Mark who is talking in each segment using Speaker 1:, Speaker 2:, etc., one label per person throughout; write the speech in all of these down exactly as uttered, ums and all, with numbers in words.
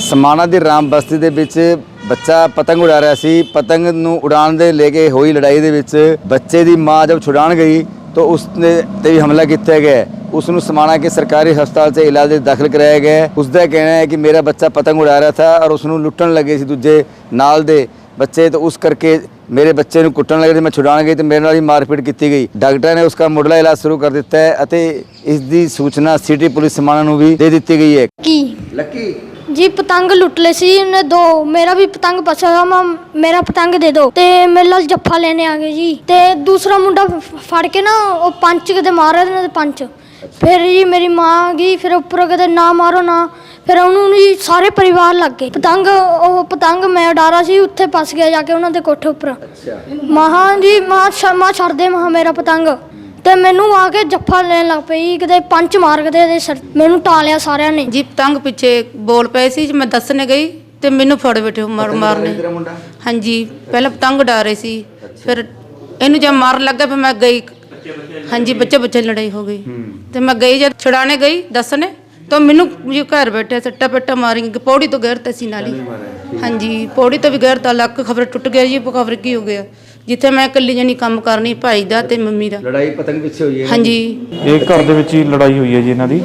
Speaker 1: समाना ਦੀ ਰਾਮ ਬਸਤੀ ਦੇ ਵਿੱਚ ਬੱਚਾ ਪਤੰਗ ਉਡਾ ਰਿਹਾ ਸੀ। ਪਤੰਗ ਨੂੰ ਉਡਾਉਣ ਦੇ ਲੈ ਕੇ ਹੋਈ ਲੜਾਈ ਦੇ ਵਿੱਚ ਬੱਚੇ ਦੀ ਮਾਂ ਜਦ ਛੁਡਾਉਣ ਗਈ ਤਾਂ ਉਸਨੇ ਤੇ ਵੀ ਹਮਲਾ ਕੀਤਾ ਗਿਆ। ਉਸ ਨੂੰ ਸਮਾਣਾ के सरकारी ਹਸਪਤਾਲ 'ਚ ਇਲਾਜ ਲਈ ਦਾਖਲ ਕਰਾਇਆ ਗਿਆ। ਉਸ ਦਾ ਕਹਿਣਾ ਹੈ ਕਿ ਮੇਰਾ ਬੱਚਾ ਪਤੰਗ ਉਡਾ ਰਿਹਾ था और ਉਸ ਨੂੰ ਲੁੱਟਣ ਲੱਗੇ ਸੀ ਦੂਜੇ ਨਾਲ ਦੇ ਬੱਚੇ, तो उस करके मेरे बच्चे ਨੂੰ ਕੁੱਟਣ ਲੱਗੇ ਤੇ ਮੈਂ ਛੁਡਾਉਣ ਗਈ ਤੇ ਮੇਰੇ ਨਾਲ ਹੀ ਮਾਰਪੀਟ ਕੀਤੀ ਗਈ। ਡਾਕਟਰ ਨੇ ਉਸका ਮੁੱਢਲਾ ਇਲਾਜ ਸ਼ੁਰੂ ਕਰ ਦਿੱਤਾ ਹੈ ਅਤੇ ਇਸ ਦੀ ਸੂਚਨਾ ਸਿਟੀ ਪੁਲਿਸ ਸਮਾਣਾ ਨੂੰ ਵੀ ਦੇ ਦਿੱਤੀ ਗਈ ਹੈ।
Speaker 2: ਕੀ
Speaker 1: ਲੱਕੀ
Speaker 2: जी पतंग लुट ले सी उन्हें दो, मेरा भी पतंग बचा हुआ, मां मेरा पतंग दे दो। ते मेरे नाल जफ्फा लेने आ गए जी। ते दूसरा मुंडा फड़ के ना वो पंच कदे मारे ने पंच। फिर जी मेरी मां आ गई, फिर उपर कदे ना मारो ना, फिर उन्होंने जी सारे परिवार लग गए। पतंग वो पतंग मैं उड़ा रहा सी, उत्थे फस गया जाके उन्होंने कोठे उपर। महा जी मां मां छड़ दे महा मेरा पतंग। ਤੇ ਮੈਨੂੰ ਆ ਕੇ ਜੱਫਾ ਲੈਣ ਲੱਗ ਪਈ, ਕਿਤੇ ਪੰਚ ਮਾਰ ਕੇ ਤੇ ਸਿਰ ਮੈਨੂੰ ਟਾਲਿਆ ਸਾਰਿਆਂ ਨੇ
Speaker 3: ਜੀ। ਪਤੰਗ ਪਿੱਛੇ ਬੋਲ ਪਏ ਸੀ, ਮੈਂ ਦੱਸਣੇ ਗਈ ਤੇ ਮੈਨੂੰ ਫੜ ਬੈਠੇ ਮਾਰ ਮਾਰਨੇ। ਹਾਂਜੀ, ਪਹਿਲਾਂ ਪਤੰਗ ਉਡਾ ਰਹੇ ਸੀ, ਫਿਰ ਇਹਨੂੰ ਜਦ ਮਾਰਨ ਲੱਗਾ ਫਿਰ ਮੈਂ ਗਈ। ਹਾਂਜੀ, ਬੱਚੇ ਬੱਚੇ ਲੜਾਈ ਹੋ ਗਈ ਤੇ ਮੈਂ ਗਈ, ਜਦ ਛੁਡਾਣੇ ਗਈ ਦੱਸਣੇ ਤਾਂ ਮੈਨੂੰ ਜੀ ਘਰ ਬੈਠੇ ਸੱਟਾ ਪੇਟਾ ਮਾਰੀ, ਪੌੜੀ ਤੋਂ ਗਿਰ ਤੇ ਸੀ ਨਾਲ ਹੀ। ਹਾਂਜੀ, ਪੌੜੀ ਤੋਂ ਵੀ ਗਿਰ ਤਾਂ ਲੱਕ ਖਬਰ ਟੁੱਟ ਗਿਆ ਜੀ। ਖਬਰ ਕੀ ਹੋ ਗਿਆ, ਜਿੱਥੇ ਮੈਂ ਇਕੱਲੀ ਜਣੀ ਕੰਮ ਕਰਨੀ, ਭਾਈ ਦਾ ਤੇ ਮੰਮੀ ਦਾ।
Speaker 1: ਲੜਾਈ ਪਤੰਗ ਪਿੱਛੇ ਹੋਈ ਹੈ।
Speaker 3: ਹਾਂਜੀ,
Speaker 4: ਇਹ ਘਰ ਦੇ ਵਿੱਚ ਹੀ ਲੜਾਈ ਹੋਈ ਹੈ ਜੀ ਇਹਨਾਂ ਦੀ।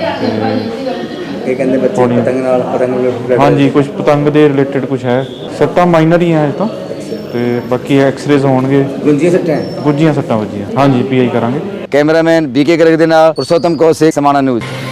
Speaker 1: ਇਹ ਕਹਿੰਦੇ ਬੱਚੇ ਪਤੰਗ ਨਾਲ ਪਤੰਗ ਲੁੱਟ।
Speaker 4: ਹਾਂਜੀ, ਕੁਝ ਪਤੰਗ ਦੇ ਰਿਲੇਟਡ ਕੁਝ ਹੈ। ਸੱਟਾਂ ਮਾਈਨਰ ਹੀ ਹੈ ਇਹ ਤਾਂ, ਤੇ ਬਾਕੀ ਐਕਸ-ਰੇਜ਼ ਹੋਣਗੇ।
Speaker 1: ਗੁੰਜੀਆਂ ਸੱਟਾਂ
Speaker 4: ਗੁੱਜੀਆਂ ਸੱਟਾਂ ਵੱਜੀਆਂ। ਹਾਂਜੀ, ਪੀ ਆਈ ਕਰਾਂਗੇ।
Speaker 1: ਕੈਮਰਾਮੈਨ ਬੀਕੇ ਗਰਗ ਦੇ ਨਾਲ ਪੁਰਸ਼ੋਤਮ ਕੌਸ਼ਿਕ, ਸਮਾਣਾ ਨਿਊਜ਼।